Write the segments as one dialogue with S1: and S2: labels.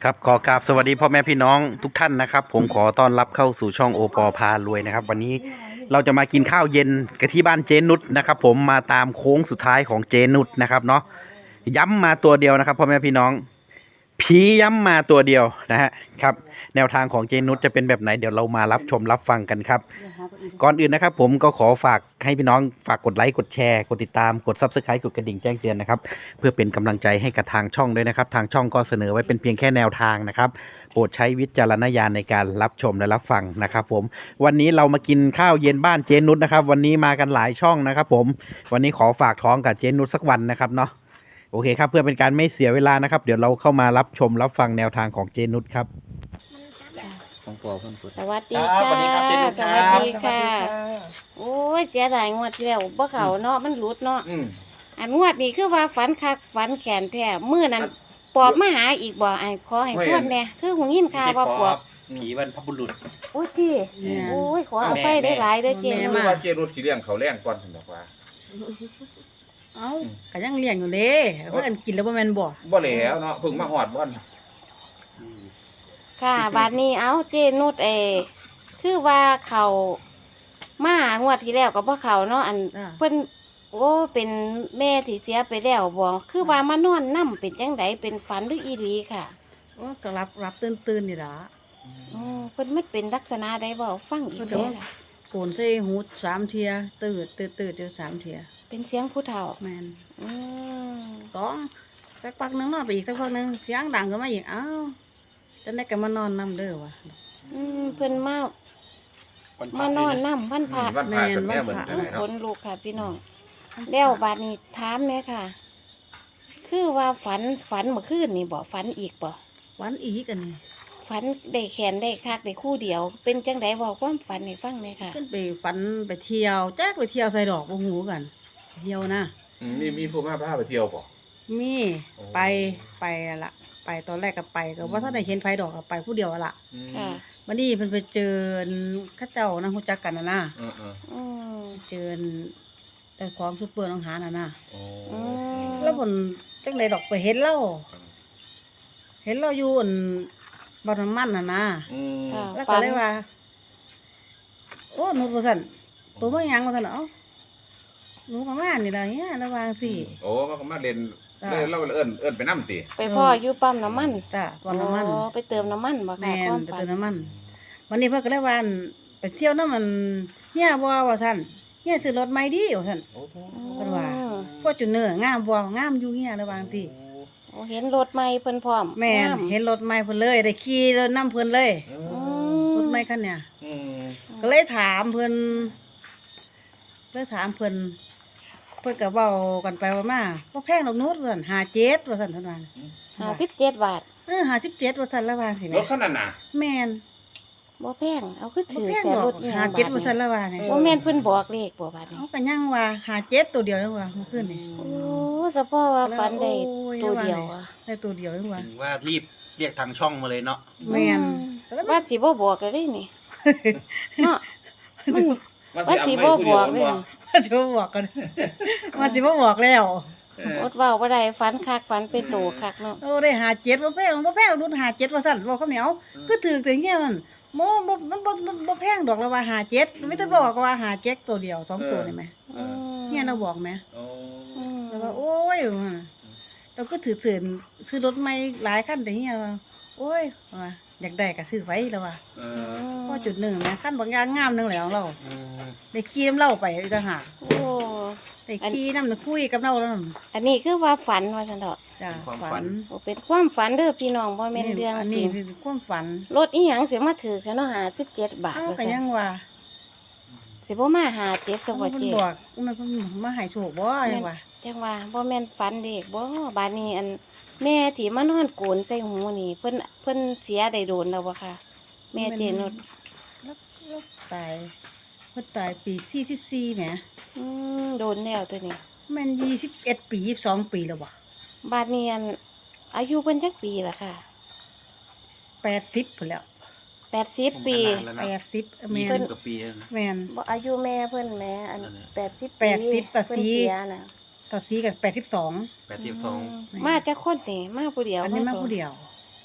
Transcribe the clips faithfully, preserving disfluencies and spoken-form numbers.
S1: ครับขอกราบสวัสดีพ่อแม่พี่น้องทุกท่านนะครับ ผมขอต้อนรับเข้าสู่ช่องโอปอพารวยนะครับ วันนี้เราจะมากินข้าวเย็นกันที่บ้านเจนุชนะครับ ผมมาตามโค้งสุดท้ายของเจนุชนะครับเนาะย้ำมาตัวเดียวนะครับพ่อแม่พี่น้องผีย้ำมาตัวเดียวนะฮะครับแนวทางของเจนุชจะเป็นแบบไหนเดี๋ยวเรามารับชมรับฟังกันครับก่อนอื่นนะครับ ผมก็ขอฝากให้พี่น้องฝากกดไลค์กดแชร์กดติดตามกด ซับสไครบ์ กดกระดิ่งแจ้งเตือนนะครับเพื่อเป็นกำลังใจให้กับทางช่องด้วยนะครับทางช่องก็เสนอไว้เป็นเพียงแค่แนวทางนะครับโปรดใช้วิจารณญาณในการรับชมและรับฟังนะครับผมวันนี้เรามากินข้าวเย็นบ้านเจนุชนะครับวันนี้มากันหลายช่องนะครับผมวันนี้ขอฝากท้องกับเจนุชสักวันนะครับเนาะโอเคครับเพื่อเป็นการไม่เสียเวลานะครับเดี๋ยวเราเข้ามารับชมรับฟังแนวทางของเจนุชครับของปอเพิ่นพูด
S2: สวัสดี
S1: ครับ
S2: ค่ะ
S1: สวัสดีครับเจนุช
S2: ส
S1: ครับ
S2: วัสดีค่ะ โอ้ยเสียดายงวดที่แล้วบ่เขาเนาะมันหลุดเนาะ
S1: อืม
S2: อันงวดนี้คือว่าฝันคักฝันแขนแท้มื้อนั้นปอบมาหาอีกบ่ไอ้ขอให้พวดแน่คือหูยินข่าวว่าปอบ
S1: ผีบรรพบุรุษ
S2: โอ้ยที่โอ้ยขอเอาไปได้หลายเด้อเจ
S3: แม่
S2: นุ
S3: มา
S2: ช
S3: ว่าเจรุดสิเลี้ยงเขาวแรงก่อนซั่นดอกว่า
S4: เอ้าก็ยังเลี้ยงอยู่เด้เพิ่นกินแล้วบ่แม่นบ่
S3: บ่แล้วเนาะเพิ่งมาฮอดบ่อน
S2: ค่ะบัดนี้เอาเจนุชเอคือว่าเขามางวดที่แล้วก็บ่เขาเนาะอัน
S4: อ่า
S2: เพิ่นโอ้เป็นแม่ที่เสียไปแล้วบ่คือว่ามานอนนำเป็นจังไดเป็นฝันหรืออีหลีค่ะ
S4: โอ้ก็รับรับตื่นๆนี่ล่ะ
S2: อ๋อเพิ่นมันเป็นลักษณะใดบ่ฟังอีก
S4: เพิ่น
S2: แล้
S4: ก็
S2: ว
S4: ว่าโกนใส่หูสามเที่ยตื่นตื่นตื่นอยู่สามเที่ย
S2: เป็นเสียงผู้เฒ่า
S4: แม่น
S2: อืม
S4: สองสักพักหนึงนอนไปอีกสักพักหนึงเสียงดังขึ้นมาอีกอ้าวจังได๋ก็มานอนนํเด้อว่ะ
S2: อืมเพิ่นมามานอนนำวันพระ
S3: วันพระสันแม่เหมือนจังได
S2: ข
S3: เนาะ
S2: นลูกค่ะพี่น้องแล้วบัดนี้ถามแม่ค่ะ คือว่าฝันฝันเมื่อคืนนี่บ่ฝันอีกบ่
S4: วันอีกอันนี้
S2: ฝันได้แขนได้คักได้คู่เดียว เป็นจังได๋เว้าความฝันให้ฟังแม่ค่ะ
S4: ขึ้นไปฝันไปเที่ยวแจ๊กไปเที่ยวใส่ดอกบ่ฮู้กันไปเที่ยวนะ
S3: อืมมีมีผู้มาพาไปเที่ยวบ่
S4: มี
S3: โอ้
S4: ไปไปละไปตอนแรกก็ไปก็ว่าถ้าได้เห็นไผดอกก็ไปผู้เดียวอะล่ะ
S3: อืม
S2: ค่ะ
S4: วันนี้เพิ่นไปเจอเข้าเจ้านะรู้จักกันนะนะ
S3: เออเออ
S2: อืม
S4: เจอแต่ของซุปเปอร์น้องหาน่ะนะ
S3: โอ้
S2: อืม
S4: แล้วเพิ่นจังไดดอกไปเห็นเราเห็นเราอยู่อั่นบ่อนน้ำมันน่ะนะ
S3: อืม
S2: ค่ะ
S4: แล้วก็
S2: ฝัน
S4: เลยว่า โอ้หนูว่าซั่นตัวบ่หยังว่าซั่นเอ้าหนูก็มานี่ล่ะเนี่ยระวังสิ
S3: โอ้มันก็มาเล่น
S4: จ้ะ
S3: เล่นเราเอิ้นเอิ้นไปนำติ
S2: ไปพ่ออยู่ปั๊มน้ำมัน
S4: จ้ะบ่อนน้ำมัน
S2: อ๋อไปเติมน้ำมันบ่ค่ะ
S4: แม่
S2: ความ
S4: นไป
S2: ฝัน
S4: เติมน้ำมัน วันนี้เพิ่นก็เลยว่าอั่นไปเที่ยวน้ำมันเฮียบ่ว่าซั่นเฮียซื้อรถใหม่ดีว่าซั่น
S3: โอ้โห
S4: เพิ่นว่า พวกจุนเนอร์งามบ่งามอยู่เฮียระวังสิ
S2: โอ้เห็นรถใหม่เพิ่นพร้อม
S4: แม่น
S2: งาม
S4: เห็นรถใหม่เพิ่นเลยได้ขี่รถนำเพิ่นเลย
S3: เอ
S2: อื
S3: อ
S2: ม
S4: รถใหม่คันเนี้ย
S3: อืม
S4: ก็เลยถามเพิ่นเลยถามเพิ่นเพิ่นก็เว้ากันไปว่ามาบ่แพงดอกนู้นว่าซั่นห้าสิบเจ็ดว่าซั่นเพิ่นว่า
S2: ห้าสิบเจ็ดบาท
S4: เออห้าสิบเจ็ดว่าซั่นละว่าสิ
S3: ร
S4: แม่
S3: ถคันนั้นน่ะ
S4: แม่น
S2: บ่แพงเอาขึ้น
S4: บ่
S2: ถือ
S4: แพง
S2: แต่
S4: ดอ
S2: ร
S4: ก
S2: ถอีหยัง
S4: ห้า
S2: บา
S4: เจ็ด
S2: ท
S4: ว่าซั่น
S2: นี่
S4: ละว่านี่
S2: บ่แม่นเพิ่นบอกเลขบ่บาทนี่
S4: เอาก็ยังว่าห้าสิบเจ็ดตัวเดียวจังว่าเมื่อคืนนี่
S2: โอ้เฉพาะว่าฝันได้ตัวเดียวอ่ะ
S4: ได้ตัวเดียวจังว่า
S1: ถึงว่ารีบเรียกทางช่องมาเลยเนาะ
S4: แม่น
S2: อืว่าสิบ่บอกก็ได้นี่เนาะมัน
S3: มัน
S2: ว่า
S3: สิ
S2: สิ
S3: เอา
S2: บ่
S3: ไว้ผู้
S2: บ
S3: เดียว
S2: อก
S3: มัน
S2: เลย
S3: บ่
S4: ว่าสิบ่บอกกันว่าสิบ่บอกแล้ว
S3: เออ
S2: อดเว้าบ่ได้ฝันคักฝันเป็นโตคักเนาะ
S4: โอ้ได้ห้าสิบเจ็ดบ่แพงบ่แพงรุ่นห้าสิบเจ็ดว่าซั่นบอกคำเหนียวคือถือแต่เงี้ยมันโมบ่มันบ่มันบ่แพงดอกละว่าห้าสิบเจ็ดไม่ต้องบอกว่าห้าสิบเจ็ดตัวเดียวสองตัวนี่แหม
S3: เออ
S4: เนี่ยเราบอกแหม
S3: โอ้
S2: อืม
S4: แล้วว่าโอ้ยว่าเราก็ถือเสื่อนคือรถใหม่หลายคันแต่เงี้ยว่าโอ้ยว่าอยากได้ก็ซื้อไว้แล้วว่า
S3: เอ
S2: อื
S3: อ
S2: ม
S4: พอจุดหนึ่งแหมคันบางอย่างงามหนึงแล้วเรา
S3: อืม
S4: ได้ขี่น้ำเล่าไปอีกต่างหาก
S2: โอ้
S4: ได้ขี่น้ำน่ะคุยกับเราแล้วนั่น
S2: อันนี้คือว่าฝันว่าซั่นเถาะ
S4: จ้าฝัน
S2: โอ้เป็นความฝันเด้อพี่น้องบ่แม่นเรื่อง
S4: อัน
S2: จ
S4: นี้
S2: ริง
S4: คือความฝัน
S2: รถอีหยังสิมาถือแค่เนาะห้าสิบเจ็ดบาท
S4: เอ้า
S2: ว่า
S4: ก็
S2: ซั่
S4: ยั
S2: น
S4: งว่า
S2: สิบ่มาหาเจ็ดซะบ่
S4: เพิ่น
S2: เจ็
S4: บอกมันเพิ่นมาให้โชคบ่ยังว่า
S2: จังว่าบ่แม่นฝันเด็กบ่บาดนี้อันแม่ที่มานอนโกนใส่หูนี่เพิ่นเพิ่นเสียได้โดนแล้วบ่ค่ะ แม่เจนุช
S4: แล้วแล้วตายเพิ่นตายปีสี่สิบสี่แหม
S2: อืมโดนแล้วตัวนี้
S4: แม่นยี่สิบเอ็ดปียี่สิบสองปีแล้วบ่
S2: บาดนี้อันอายุเพิ่นจักปีล่ะค่ะ
S4: แปดสิบพุ่นแล้ว
S2: แปดสิบปี
S1: ผมก็นานแล้ว
S4: แป
S1: นะ
S4: ดสิบแม่
S1: ยี่
S4: น
S1: สิบกว่าปีแล้วนะ
S4: แม่น
S2: บ่อายุแม่เพิ่นแม่อัน
S1: นั่นแหละ
S2: แปดสิบ
S4: แปดสิบ
S2: ปี
S4: ตัด
S2: เพิ่น
S4: สี
S2: เสียน่ะ
S4: ต่อสีกันแปดสิบสอง
S1: แปดสิบสอง
S2: มมาจากคนนี่มาผู้เดียว
S4: อันนี้มา
S2: สง
S4: ผู้เดียว
S2: โ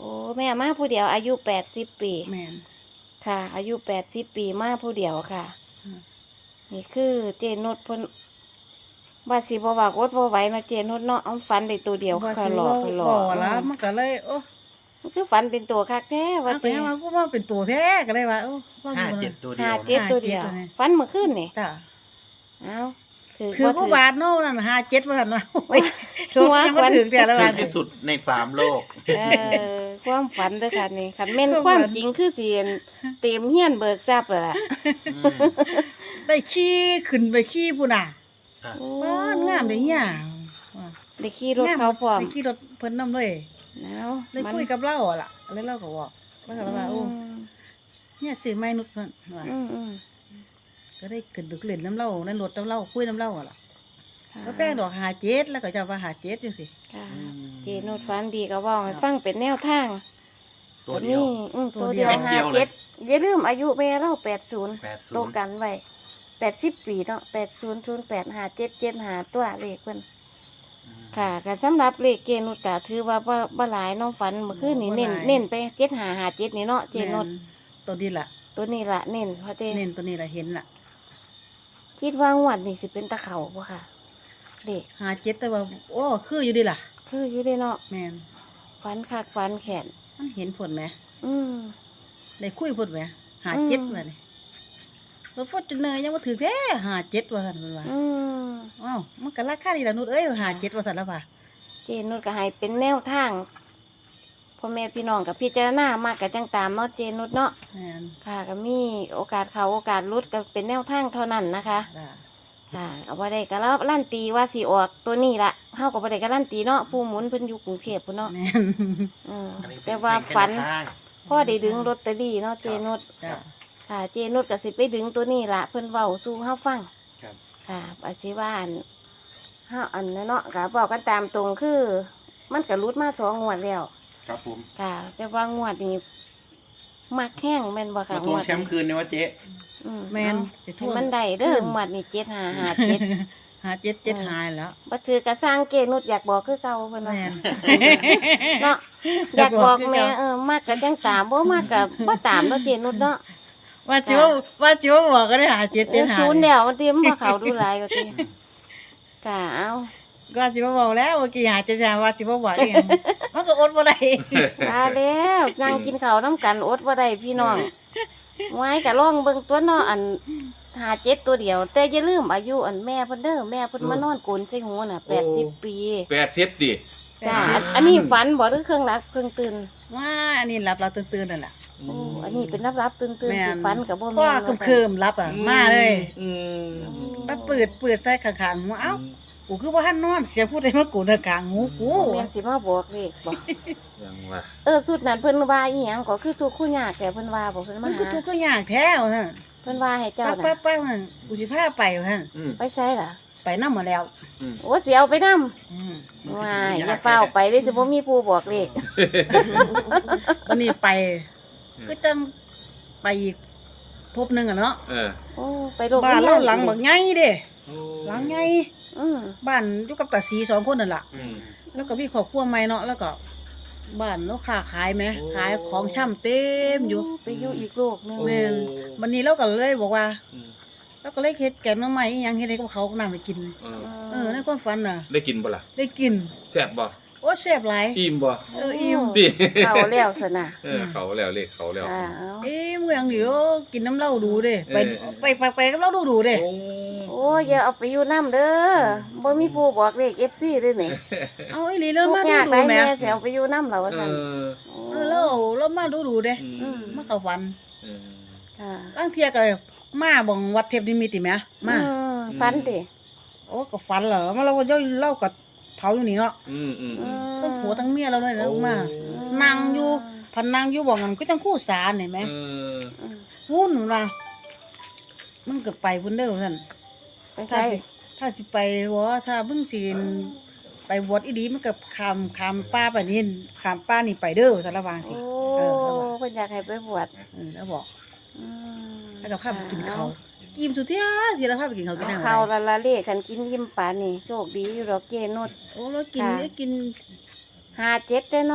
S2: โอ้แม่มาผู้เดียวอายุแปดสิบปี
S4: แม่น
S2: ค่ะ อายุแปดสิบปีมาผู้เดียวค่ะ
S4: อืม
S2: นี่คือเจนุชเพิ่นว่าสิบ่ว่ากดบ่ไหวนะเจนุชเนาะเอาฝันได้ตัวเดียว
S4: ว่า
S2: ค่ะ
S4: สิ
S2: หลอก
S4: เว้า
S2: หลอ
S4: บ่
S2: ก
S4: ละมันก็เลยโอ้
S2: มันคือฝันเป็นตัวคักแท้ว่า
S4: ว่า
S2: เจ
S4: แต่ว่าผู้ว่าเป็นตัวแท้ก็เลยว่าโอ้ว่า
S1: ห้า
S4: มัน
S1: เจ็ดตัวเดีย
S2: ห้าว เจ็ดตัวเดียว
S4: ห้าเจ็ดตัวนี้
S2: ฝันเมื่อคืนนี่
S4: จ้ะ
S2: เอ้าถือ
S4: ถือ
S2: บ่
S4: ผู้บาทเนาะนั่นห้าเจ็ดว่าซั่นว่าโอ้ย
S2: ถือว่า
S4: ยังบ่ถึงแต่ละ
S1: ถึ
S4: บาง ท
S1: ที่สุดในสามโลก
S2: เออความฝันเด้อค่ะนี่คันแม่น
S4: ความ
S2: ความ
S4: ฝัน
S2: จริงคือสิเต็มเฮียนเบิกทรัพย์เลยล่ะ
S4: ได้ขี่ขึ้นไปขี่พุ่นน่ะ
S2: โอ้
S4: บ้านงามเด้เฮียว่า
S2: ได้ขี่รถเขาพร้อม
S4: ได้ขี่รถเพิ่นนำเลย
S2: เอ้า
S4: เลย
S2: มัน
S4: คุยกับเราอะล่ะเลยเราก็บอกแล้วก็ว่าโอ้เนี่ยซื้อไม้นุชนั่นว่า
S2: อืมอืม
S4: ก็ได้ขึ้นดึกเล่นน้ำเล่าในรถน้ำเล่าคุยน้ำเล่าอะล่ะ
S2: ค่ะ
S4: ก็แป้งดอกหาเจ็ดแล้วก็จะว่าหาเจ็ดจังสิ
S2: ค่ะเจนุชฝันดีก็เว้าให้ฟังเป็นแนวทาง
S1: ตัวเดียว
S2: อืมตัวเดียว
S1: เม็ด
S2: ห้า
S1: เดียวเลย
S2: เจ็ดอย่าลืมอายุแม่เราแปดศูนย์
S1: แปดศู
S2: โต
S1: นย์
S2: กันไว้แปดสิบปีเนาะแปดศูนย์ศูนย์แปดห้าเจ็ดเจ็ดห้าตัวเลขเพิ่นค่ะก็สำหรับเลขเจนุชก็ถือว่าบ่บ่หลายเน้องฝันเมื่อคืนนี่เน้นเน้นไปเจ็ดห้าห้าเจ็ดนี่เนาะเจนุช
S4: แม่นตัวนี้ล่ะ
S2: ตัวนี้ละเน้นเพราะเต้
S4: เน้นตัวนี้ล่ะเห็นล่ะ
S2: คิดว่างวดนี่สิเป็นตะเขาบ่ค่ะเลข
S4: หาเจ็ดแต่ว่าโอ้คืออยู่ดีล่ะ
S2: คืออยู่ได้เนาะ
S4: แม่น
S2: ฝันคักฝันแขน
S4: มันเห็นผลไหม
S2: อืม
S4: ได้คุยผลไหมหาเจ็ด
S2: อืม
S4: ว่านี่รถฟอร์จูเนอร์ยังมาถือแท้หาเจ็ดว่าสันมันว่า
S2: อืม
S4: อ้าวมันก็ราคาดีละนุชเอ้ยหาเจ็ดว่าสันแล้วว่า
S2: เจนุชก็ให้เป็นแนวทางพ่อแม่พี่น้องกับพิจารณามากกับจังตามเนาะเจนุชเนาะ
S4: แม่น
S2: ค่ะก็มีโอกาสเขาโอกาสรุดก็เป็นแนวทางเท่านั้นนะคะ
S4: จ้ะ
S2: ค่ะเอาบ่ได้ก็แล้วลั่นตีว่าสิออกตัวนี้ละเฮาก็บ่ได้ก็ลั่นตีเนาะผู้หมุนเพิ่นอยู่กรุงเทพพุ่นเนาะ
S4: แม่น
S2: อืมแต่ว่าฝันพ่อได้ดึงลอตเตอรี่เนาะเจนุช
S4: จ้ะ
S2: ค่ะเจนุชก็สิไปดึงตัวนี้ละเพิ่นเว้าสู่เฮาฟัง
S1: ครับ
S2: ค่ะอาสิว่าอันเฮาอันนั้นเนาะก็บอกกันตามตรงคือ มันก็รุดมาสองงวดแล้ว
S1: ครับผม
S2: ค่ะ แต่ว่างวดนี้มักแห้งแม่นบ่ค่ะ
S1: มาทวงแชมป์คืนเนี่ยว่าเจ๊
S2: อื
S4: แม่น
S2: เอา
S4: สิ
S2: ให้มันได้เด้อหมวดนี่เจ็ดห้าห้าเจ็ด
S4: หาเจ็ดเจ็ดหายแล้ว
S2: บ่ถือกระสร้างเกนุดอยากบอกคือเก่าเพิ่นว่า
S4: แม่น
S2: เนาะอาย
S4: อยาก ก
S2: บบ อ
S4: อก กคือ
S2: แม่
S4: เก่า
S2: เออมากก็จังตามบ่มากก็บ่ตามเนาะเจนุดเนาะ
S4: ว่าจิ๋วว่าจิ๋วบอกก็ได้หาเจ็ด
S2: เอ
S4: เจ็ด
S2: อ
S4: หาย
S2: ศูนย์เดียวมันเตรียมบ่เข้าดูหลายก็ติค่ะเอา
S4: ก็จิ๋วบอกแล้วเมื่อกี้หาเจ็ดหายว่าจิ๋วบอกเองมันก็อดบ่ได้
S2: มาแล้วนั่งกินข้าวนํกันอดบ่ได้พี่น้องไว้ก็ลองเบิ่งตัวเนาะอันหาเจ็ดตัวเดียว แต่อย่าลืมอายุอันแม่เพิ่นเด้อแม่เพิ่นมานอนกลนใส่หูน่ะแปดสิบปี
S3: แปดสิบดิ
S2: จ้าอันอันนี้ฝันบ่หรือเครื่องรับเครื่องตื่น
S4: ว่าอันนี้รับเราตื่นๆนั่นแหละ
S2: โอ้อันนี้เป็นรับรับตื่นตื่น
S4: แม่
S2: สิ
S4: น
S2: ฝันกับบ่
S4: พ่อ
S2: แม่นว่า
S4: เคิมๆรับอ่ะมาเลย
S3: อืม
S4: มาเปิดเปิดใส่ข้างๆหัวเอ้ากูคือว่าหันนอนเสียพูดได้มากูทางกลางหูกู
S2: บ่แม่นสิมาบอกเลขบ่
S3: ยังว่า
S2: เออสุดนั้นเพิ่นว่าอีหยังก็คือทุกข์คู่ยากแต่เพิ่นว่าบ่เพิ่น
S4: มั
S2: มาน
S4: คือ
S2: หา
S4: ทุกข์ก็ยากแท้วท่าน
S2: เพิ่นว่าให้เจ้า
S4: ป้า
S2: น่ะ
S4: ป้าป้ามันกูสิพาไปท่าน
S3: อืม
S2: ไปใช้ล่ะ
S4: ไปนำมาแล้ว
S3: อืม
S2: โอ้สิเอาไปนำ
S4: อืม
S2: ว้ายอย่าเฝ้าวไปเด้สิบ่มีผู้บอกเลข
S4: วันนี้ไปก็จังไปอีกพบหนึงอ่ะเนาะ
S3: เออ
S2: โอ้ไปโรง
S4: บ้านเราหลังบักใหญ่เด้
S3: โอ้
S4: หลังใหญ่
S2: อืม
S4: บ้านอยู่กับตาสีสองคนนั่นล่ะ
S3: อืม
S4: แล้วก็มีครอบครัวใหม่เนาะแล้วก็บ้านเราค้าขายไหม
S3: โอ้
S4: ขายของช่ำเต็มอยู่
S2: ไปอยู่อีกโลกหนึง
S4: แม่น วันนี้เราก็เลยบอกว่า
S3: อืม
S4: เราก็เลยเฮ็ดแกงหน้ำใหม่อิหยังเฮ็ดให้กับเขานำไปกิน
S3: เออ
S4: เออในความฝันน่ะ
S3: ได้กินบ่ล่ะ
S4: ได้กิน
S3: แซ่บบ่
S4: โอ้แซ่บหลาย
S3: อิ่มบ่
S4: เอออิ่ม
S3: ดิ
S2: เข้าแล้วซะนะ
S3: เออเขาแล้วเลขเขาแล้ว
S2: อ่าเอา
S4: เอ้เมืองเดี๋ยวกินน้ำเหล้าดูเด้ไป
S3: เออ
S4: ไปไปไปกับเหล้าดูดูเด้
S3: โอ้
S2: โอ้อย่าเอาไปอยู่นำเด้อบ่มีผู้บอกเลข เอฟ ซี เด้อนี่
S4: เอาอีหลีแล้ว
S2: ทุก
S4: มา
S2: อ
S4: ดู
S2: ยาก
S4: ดู
S2: ได้
S4: แหม่
S2: แม่สิเอาไปอยู่นำแล้วว่า
S3: เอ
S2: ซั่น
S3: อ
S4: เออแล้วแล้วมาดูดูเด้
S3: อืม
S4: มาเข้าฝัน
S3: เออ
S2: ค่ะ
S4: บางเที่ยก็มาบ่งวัดเทพนิมิตติแหมมา
S2: อืฝันติ
S4: โอ้ก็ฝันเหรอมาเราก็ย่อยเหล้ากับเผาอยู่นี่เนาะ
S3: อืมอืม
S2: อื
S3: อืม
S2: ม
S4: ทั้งผัวทั้งเมียเราเลยนะ
S3: โอ้
S4: มานั่งอยู่พันนั่งอยู่บ่งั้นก็จังคู่สารเห็นไหม
S3: เออ
S2: อืม
S4: วุ่นว่ามันก็ไปพุ่นเด้อท่าน
S2: ไป
S4: ถ้า
S2: ใส่
S4: สิถ้าสิไปวะถ้าเพิ่งสิไปวดอีดีมันก็คำคำป้าไปนี่คำป้านี่ไปเด้อสารวางสิ
S2: โอ้
S4: เออแล้วบอก
S2: เพิ่นอยากให้ไปบวช
S4: เออแล้วบอก
S2: อืม
S4: แล้วก็พาไปกินเขาวกินสุดที่สิแล้วพาไปกินเขาวกิน
S2: เอา
S4: น้ำ
S2: ข้าว
S4: อะไร
S2: ละละเลขคันกินยิ้มปานนี่โชคดีอยู่ดอกเกนุด
S4: โอ้แล้วกิน
S2: ค่ะ
S4: แล้วกิน
S2: ห้าเจ็ดเด้อเนาะ
S4: ห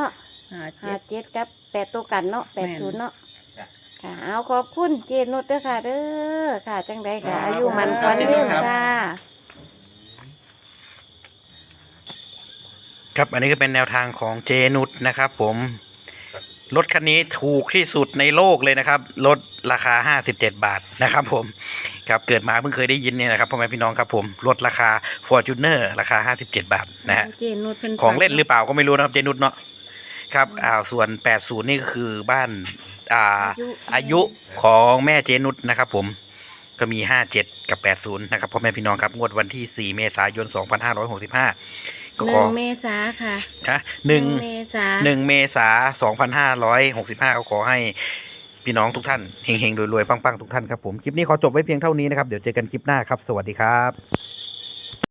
S4: ห้า
S2: ห้า
S4: เจ็ด
S2: เจ็ดกับแปดตัวกันเนาะแปดศูนย์เนาะ
S3: จ้ะ
S2: ค่ะเอาขอบคุณเจนุชเด้อค่ะเด้อค่ะจังใดค่ะอายุมันควันเรื่องค่ะ
S1: ครับอันนี้ก็เป็นแนวทางของเจนุชนะครับผมรถคันนี้ถูกที่สุดในโลกเลยนะครับรถราคาห้าสิบเจ็ดบาทนะครับผมครับเกิดมาเพิ่งเคยได้ยินเนี่ยนะครับพ่อแม่พี่น้องครับผมรถราคา Fortuner ราคาห้าสิบเจ็ดบาทนะฮะ
S2: เจนุชเป็น
S1: ของเล่นหรือเปล่าก็ไม่รู้นะครับเจนุชเนาะครับอ่าส่วนแปดสิบนี่ก็คือบ้านอ่าอายุของแม่เจนุชนะครับผมก็มีห้าสิบเจ็ดกับแปดสิบนะครับพ่อแม่พี่น้องครับงวดวันที่สี่เมษายนสองพันห้าร้อยหกสิบห้าก็
S2: ห
S1: ข
S2: นึ่
S1: อง
S2: เมษาค่ะ
S1: นะหนึ่ง
S2: เมษา
S1: หนึ่งเมษาสองพันห้าร้อยหกสิบห้าก็ขอให้พี่น้องทุกท่านเฮงๆรวยๆปังๆทุกท่านครับผมคลิปนี้ขอจบไว้เพียงเท่านี้นะครับเดี๋ยวเจอกันคลิปหน้าครับสวัสดีครับ